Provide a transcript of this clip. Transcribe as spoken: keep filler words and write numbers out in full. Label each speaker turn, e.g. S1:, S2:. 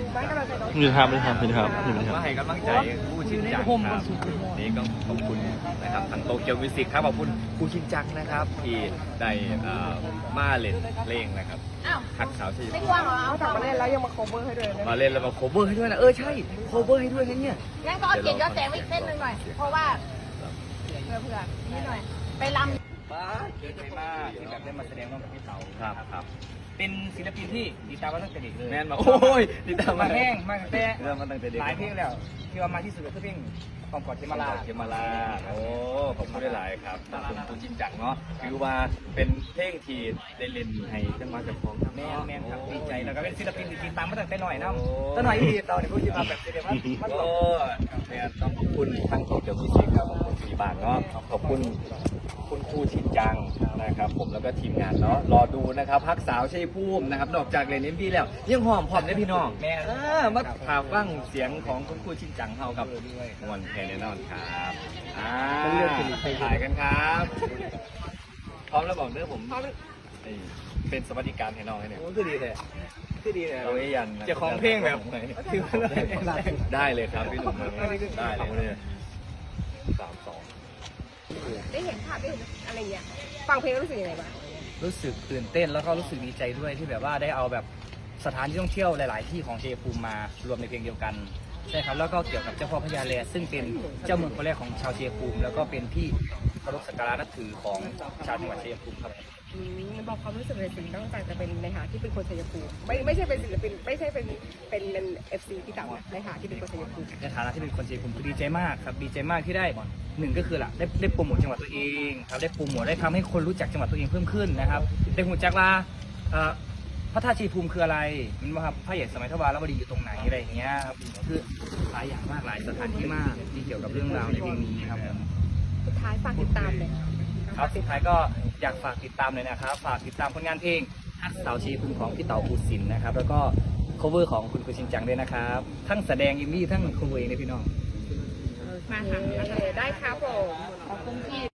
S1: ไม่กำลังใจน้อง
S2: มีครับมีครับมีครับมีครับ
S3: ว่าให้กำลังใจผู้ชินจังครับนี่ก็ขอบคุณนะครับทางโตเกียวมิวสิกครับขอบคุณผู้ชินจังนะครับที่ได้มาเล่นเพลงนะครับ
S4: อ้าว
S3: หักสาวที่
S4: ไม่กลัวเหรอ
S1: เอาจากมาเล่นแล้วยังมา cover ให้ด้วยนะ
S3: มาเล่นแล้วมาโคเวอร์ให้ด้วยนะเออใช่โคเวอร์ให้ด้วยนะเนี่ย
S4: งั้นก็เอาเกียรติยศแสงไว้อีกเส้นหนึ่งหน่อย เพราะว่าเผื่อเผื่อนิดหน่อย ไปลำ
S5: บ้าเยอะใจมากที่แบบได้มาแสดงร่วมกับพี่เต๋า
S3: ครับครับ
S5: เป็นศิลปินที่ติดตามมาตั้งแต่เด็กเลย
S3: แม่นมาโอ้ยติดตาม
S5: มา
S3: มา
S5: แห้งมาตั้งแต่
S3: เริ่มมาตั้งแต่เด็ก
S5: หลายเพลงแล้วที่ว่ามาที่สุดก็คือเพลงความกอดเทมาลา
S3: เขมราโอ้ขอบคุณหลายๆครับขอบคุณคุณชินจังเนาะคือว่าเป็นเพลงที่ได้เล่นให้จังหวัดจังหวัด
S5: แม่นแม่นครับดีใจแล้วก็เป็นศิลปินที่ติดตามมาตั้งแต่หน่อยนะ
S3: โอ้
S5: ตั้งหน่อยที่เราเนี่ยพูดมาแบบเดียวมันมัน
S3: โอ้เนี่ยต้องขอบคุณทั้งโตเกียวมิวสิกครับขอบคุณพี่บานเนาะขอบคุณคุณครูชินจังนะครับ ผมแล้วก็ทีมงานเนาะรอดูนะครับพักสาวชัยภูมินะครับนอกจากเล่นเอ็มพีแล้วยังหอมพร้อมได้พี่น้อง
S5: แม่
S3: เออมาถามฟังเสียงของคุณครูชินจังเฮากับมวนแค่แน่นอนครับอ่าถ่ายกันครับพร้อมแล้วบอกเด้อผมนี่เป็นสวัสดิการให้น้องให้เนี่ย
S5: โอ้คือดีเลยคือดีเลย
S3: เราไอ้ยัน
S5: เจ้าของเพลงแบบถือว่าเลย
S3: ได้เลยครับพี่หนุ่มได้เลยสามสอง
S1: ได้เห็นภาพได้เห็นอะไรเงี้ยฟังเพลงแล้วรู้สึกยังไงบ้าง
S5: รู้สึกตื่นเต้นแล้วก็รู้สึกดีใจด้วยที่แบบว่าได้เอาแบบสถานที่ท่องเที่ยวหลาย ๆ ที่ของชัยภูมิมารวมในเพลงเดียวกันใช่ครับแล้วก็เกี่ยวกับเจ้าพ่อพญาแลซึ่งเป็นเจ้าเมืองคนแรกของชาวชัยภูมิแล้วก็เป็นที่เคารพสักการะนับถือของชาวจังหวัดชัยภูมิครับ
S1: อืมบอกความรู้สึกเลยสิตั้งใจจะเป็นในหาที่เป็นคนชัยภูมิไม่ไม่ใช่เป็นศิลปินไม่ใช่เป็นเป็นเป็นเอฟซีพี่เต๋านะในหาที่เป็นคนชัยภูมิ
S5: ในฐานะที่เป็นคนชัยภูมิคือดีใจมากครับดีใจมากที่ได้หนึ่งก็คือล่ะได้ได้โปรโมทจังหวัดตัวเองครับได้โปรโมทได้ทำให้คนรู้จักจังหวัดตัวเองเพิ่มขึ้นนะครับได้หูจักว่าเอ่อพระธาตุชัยภูมิคืออะไรมันว่าครับพระใหญ่สมัยทวารวดีอยู่ตรงไหนอะไรอย่างเงี้ยครับคือหลายอย่างมากหลายสถานที่มากที่เกี่ยวกับเรื่องราวในเพลงนี้ครับ
S1: สุดท้ายฝากติดตามเลย
S5: ครับสุดท้ายก็อยากฝากติดตามเลยนะครับฝากติดตามผลงานเพลงฮักสาวชัยภูมิของพี่เต๋าภูสินทร์นะครับแล้วก็ cover ของคุณกุชินจังด้วยนะครับทั้งแสดงยิมมี่ทั้ง cover เองเลยพี่น้อง
S1: มาค่ะได้ครับผม
S4: ขอบคุณพี่